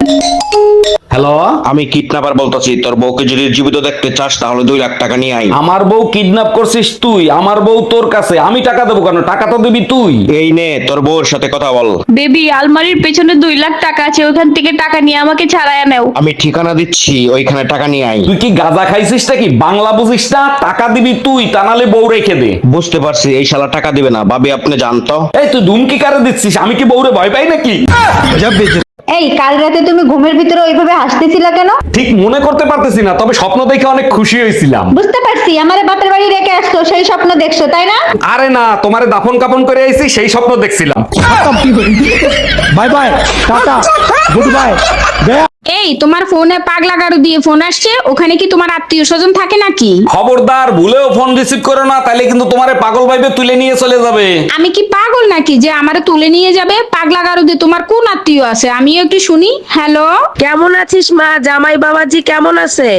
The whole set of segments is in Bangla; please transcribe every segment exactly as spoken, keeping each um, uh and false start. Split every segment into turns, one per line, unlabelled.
হ্যালো,
আমি কিডন্যাপার বলতেছি, তোর বউকে যদি জীবিত দেখতে চাস তাহলে দুই লাখ টাকা নিয়ে আই।
আমার বউ কিডন্যাপ করছিস তুই? আমার বউ তোর কাছে, আমি টাকা দেবো কেন? টাকা তো দিবি তুই।
এই নে তোর বউর সাথে কথা বল।
বেবি, আলমারির পেছনে দুই লাখ টাকা আছে, ওখান থেকে টাকা নিয়ে আমাকে ছাড়াইয়া নেও।
আমি ঠিকানা দিচ্ছি, ওইখানে টাকা নিয়ে আই।
তুই কি গাঁজা খাইছিস নাকি? বাংলা বুঝিস না? টাকা দিবি তুই, তা নাহলে বউ রেখে দে।
বুঝতে পারছি, এই শালা টাকা দিবে না। ভাবি আপনি জানতো।
এই তুই ধুমকি কারে দিচ্ছিস? আমি কি বউরে ভয় পাই নাকি?
এই কাল রাতে তুমি ঘুমের ভিতরে ওইভাবে হাসতেছিলা কেন?
ঠিক মনে করতে পারতেছি না, তবে স্বপ্ন দেখে অনেক খুশি হয়েছিলাম।
বুঝতে পারছি, আমারে বাপের বাড়ি রেখে আসছো, সেই স্বপ্ন দেখছো তাই না?
আরে না, তোমারে দাফন কাপন করে আইছি, সেই স্বপ্ন দেখছিলাম।
Bye bye, tata, good bye.
এই তোমার ফোনে পাগলা গাড়ু দিয়ে ফোন আসছে, ওখানে কি তোমার আত্মীয় স্বজন থাকে নাকি?
খবরদার, ভুলেও ফোন রিসিভ করো না, তাইলে কিন্তু তোমারে পাগল ভাইবে তুলে নিয়ে চলে যাবে।
আমি কি পাগল নাকি যে আমারে তুলে নিয়ে যাবে? পাগলা গাড়ু দিয়ে তোমার কোন আত্মীয় আছে আমিও একটু শুনি। হ্যালো,
কেমন আছিস মা? জামাই বাবাজি কেমন আছে?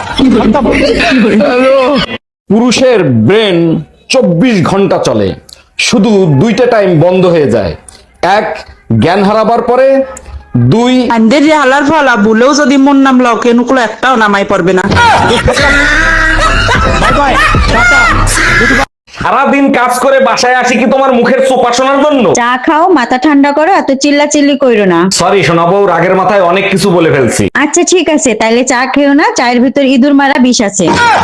পুরুষের ব্রেন চব্বিশ ঘন্টা চলে, শুধু দুইটা টাইম বন্ধ হয়ে যায়। এক, জ্ঞান হারাবার পরে। দুই,
আন্দের যে হালার ফালা ভুলেও যদি মন নাম লও কেনুকুলো একটাও নামাই পারবে না।
Bye bye, tata.
সারাদিন কাজ করে বাসায় আসি কি তোমার মুখের চোপা শোনার জন্য?
চা খাও, মাথা ঠান্ডা করো, এত চিল্লা চিল্লি কইরো না।
সরি শোনাবো, রাগের মাথায় অনেক কিছু বলে ফেলছি।
আচ্ছা ঠিক আছে, তাইলে চা খেও না, চায়ের ভিতর ইঁদুর মারা বিষ আছে।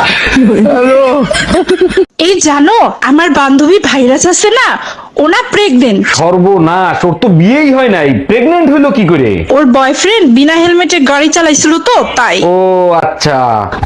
এই জানো আমার বান্ধবী ভাইরাস আছে না, ওনা প্রেগনেন্ট।
সর্বনাশ, ওর তো বিয়েই হয় নাই, প্রেগনেন্ট হইলো কি করে?
ওর বয়ফ্রেন্ড বিনা হেলমেটে গাড়ি চালাইছিল তো তাই।
ও আচ্ছা।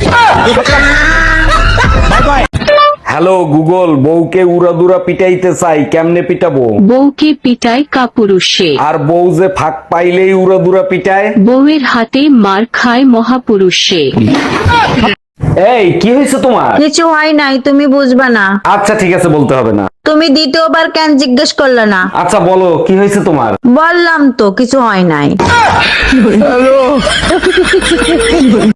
Bye bye.
হ্যালো গুগল, বউকে উড়াদুরা পিটাইতে চাই, কেমনে পিটাবো?
বউকে পিটায় কাপুরুষে,
আর বউ যে ফাঁক পাইলেই উড়াদুরা পিটায়।
বউয়ের হাতে মার খায় মহাপুরুষে।
এই কি হয়েছে তোমার?
কিছু হয় নাই, তুমি বুঝবা না।
আচ্ছা ঠিক আছে, বলতে হবে না।
তুমি দ্বিতীয়বার কেন জিজ্ঞেস করলে না?
আচ্ছা বলো, কি হয়েছে তোমার?
বললাম তো কিছু হয় নাই।